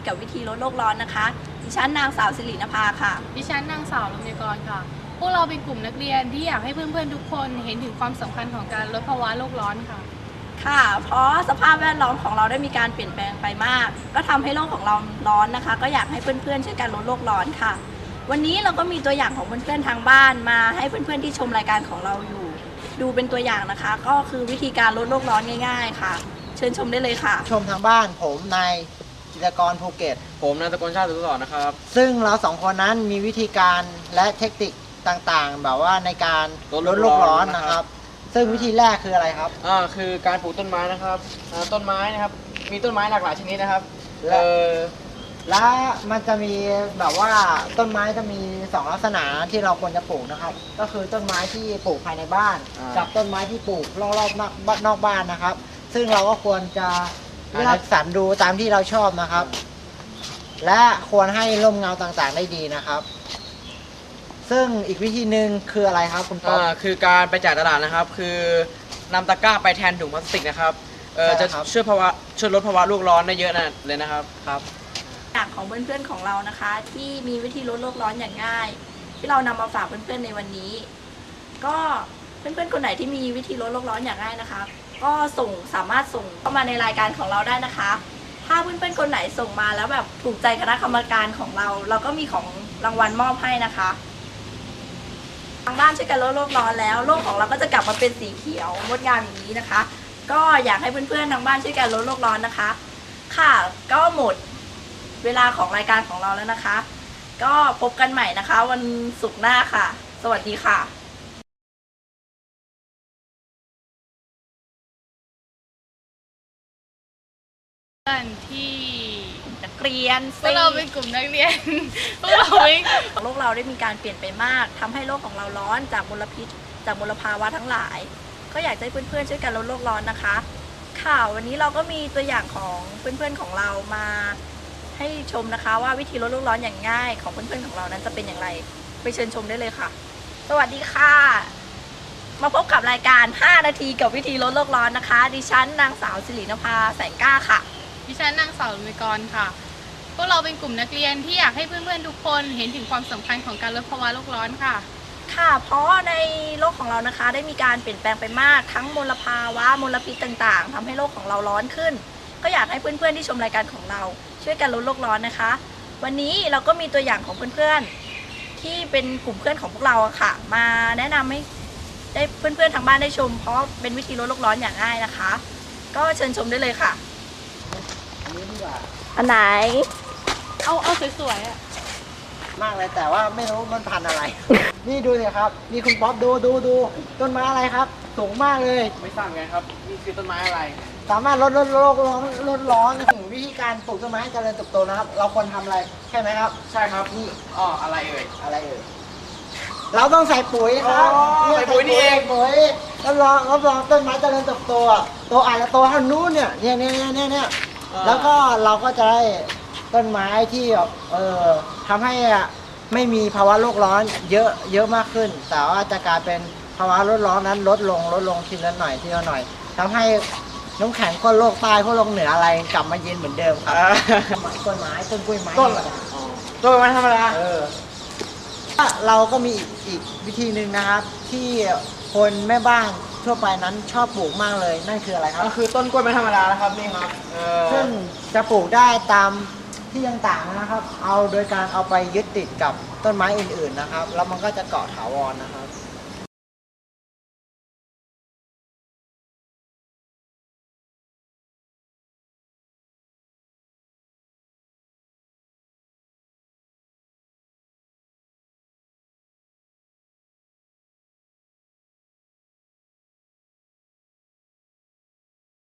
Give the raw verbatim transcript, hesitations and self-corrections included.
กับวิธีลดโลกร้อนนะคะดิฉันนางสาวสิรินภาค่ะดิฉันนางสาวลมยกรค่ะพวกเราเป็นกลุ่มนักเรียนที่อยากให้เพื่อนๆทุกคนเห็นถึงความสำคัญของการลดภาวะโลกร้อนค่ะค่ะเพราะสภาพแวดล้อมของเราได้มีการเปลี่ยนแปลงไปมากก็ทำให้โลกของเราร้อนนะคะก็อยากให้เพื่อนๆช่วยกันลดโลกร้อนค่ะวันนี้เราก็มีตัวอย่างของเพื่อนๆทางบ้านมาให้เพื่อนๆที่ชมรายการของเราอยู่ดูเป็นตัวอย่างนะคะก็คือวิธีการลดโลกร้อนง่ายๆค่ะเชิญชมได้เลยค่ะชมทางบ้านผมนายจิตรกรภูเก็ตผมนายตะกลชาติสุขสอนนะครับซึ่งเราสองคนนั้นมีวิธีการและเทคนิคต่างๆแบบว่าในการลดโลกร้อนนะครับซึ่งวิธีแรกคืออะไรครับอ่าคือการปลูกต้นไม้นะครับต้นไม้นะครับมีต้นไม้หลากหลายชนิดนะครับและและมันจะมีแบบว่าต้นไม้จะมีสองลักษณะที่เราควรจะปลูกนะครับก็คือต้นไม้ที่ปลูกภายในบ้านกับต้นไม้ที่ปลูกรอบๆนอกนอกบ้านนะครับซึ่งเราก็ควรจะเลือกสรรดูตามที่เราชอบนะครับและควรให้ร่มเงาต่างๆได้ดีนะครับซึ่งอีกวิธีหนึ่งคืออะไรครับคุณป๊อปคือการไปจ่ายตลาดนะครับคือนำตะกร้าไปแทนถุงพลาสติกนะครับเออจะช่วยภาวะช่วยลดภาวะโลกร้อนได้เยอะนะเลยนะครับครับอย่างของเพื่อนๆของเรานะคะที่มีวิธีลดโลกร้อนอย่างง่ายที่เรานำมาฝากเพื่อนๆในวันนี้ก็เพื่อนๆคนไหนที่มีวิธีลดโลกร้อนอย่างง่ายนะคะก็ส่งสามารถส่งเข้ามาในรายการของเราได้นะคะถ้าเพื่อนๆคนไหนส่งมาแล้วแบบถูกใจคณะกรรมการของเราเราก็มีของรางวัลมอบให้นะคะทางบ้านช่วยกันลดโลกร้อนแล้วโลกของเราก็จะกลับมาเป็นสีเขียวงดงามอย่างนี้นะคะก็อยากให้เพื่อนๆทางบ้านช่วยกันลดโลกร้อนนะคะค่ะก็หมดเวลาของรายการของเราแล้วนะคะก็พบกันใหม่นะคะวันศุกร์หน้าค่ะสวัสดีค่ะเพื่อนที่นักเรียนพวกเราเป็นกลุ่มนักเรียนพวกเราเป็นโลกเราได้มีการเปลี่ยนไปมากทำให้โลกของเราร้อนจากมลพิษจากมลภาวะทั้งหลายก็อยากให้เพื่อนๆช่วยกันลดโลกร้อนนะคะค่ะวันนี้เราก็มีตัวอย่างของเพื่อนๆของเรามาให้ชมนะคะว่าวิธีลดโลกร้อนอย่างง่ายของเพื่อนๆของเรานั้นจะเป็นอย่างไรไปเชิญชมได้เลยค่ะสวัสดีค่ะมาพบกับรายการห้านาทีกับวิธีลดโลกร้อนนะคะดิฉันนางสาวสิรินภาแสงกล้าค่ะดิฉันนางสาวลมยกรค่ะพวกเราเป็นกลุ่มนักเรียนที่อยากให้เพื่อนๆทุกคนเห็นถึงความสำคัญของการลดภาวะโลกร้อนค่ะค่ะเพราะในโลกของเรานะคะได้มีการเปลี่ยนแปลงไปมากทั้งมลภาวะมลพิษต่างๆทำให้โลกของเราร้อนขึ้นก็อยากให้เพื่อนๆที่ชมรายการของเราช่วยกันลดโลกร้อนนะคะวันนี้เราก็มีตัวอย่างของเพื่อนๆที่เป็นกลุ่มเพื่อนของพวกเราค่ะมาแนะนำให้ได้เพื่อนๆทางบ้านได้ชมเพราะเป็นวิธีลดโลกร้อนอย่างง่ายนะคะก็เชิญชมได้เลยค่ะอันนี้ดีกว่าอันไหนเอาเอาสวยๆอ่ะมากเลยแต่ว่าไม่รู้มันพันอะไร นี่ดูสิครับนี่คุณป๊อปดูดูดูต้นไม้อะไรครับสูงมากเลยไม่ทราบไงครับนี่คือต้นไม้อะไรสามารถลดลดโลกร้อนลดร้อนถึงวิธีการปลูกต้นไม้ให้เจริญเติบโตนะครับเราควรทำอะไรใช่ไหมครับใช่ครับนี่อ๋ออะไรเอ่ยอะไรเอ่ยเราต้องใส่ปุ๋ยครับใส่ปุ๋ยนี่เองปุ๋ยรับรองรับรองต้นไม้เจริญเติบโตโตอาจจะโตเท่านู้นเนี่ยเนี่ยเนี่ยเนี่ยเนี่ยแล้วก็เราก็จะได้ต้นไม้ที่เอ่อทำให้ไม่มีภาวะโลกร้อนเยอะเยอะมากขึ้นแต่ว่าจะกลายเป็นภาวะโลกร้อนนั้นลดลงลดลงทีละหน่อยทีละหน่อยทำให้น้ำแข็งก้นโลกใต้พวกโลกเหนืออะไรกลับมาเย็นเหมือนเดิมครับต้นไม้ต้นกล้วยไม้ต้นต้นไม้ธรรมดาเออเราก็มีอีกวิธีหนึ่งนะครับที่คนแม่บ้านทั่วไปนั้นชอบปลูกมากเลยนั่นคืออะไรครับก็คือต้นกล้วยไม้ธรรมดานะครับนี่ครับซึ่งจะปลูกได้ตามที่ต่างๆนะครับเอาโดยการเอาไปยึดติดกับต้นไม้อื่นๆนะครับแล้วมันก็จะเกาะถาวรนะครับ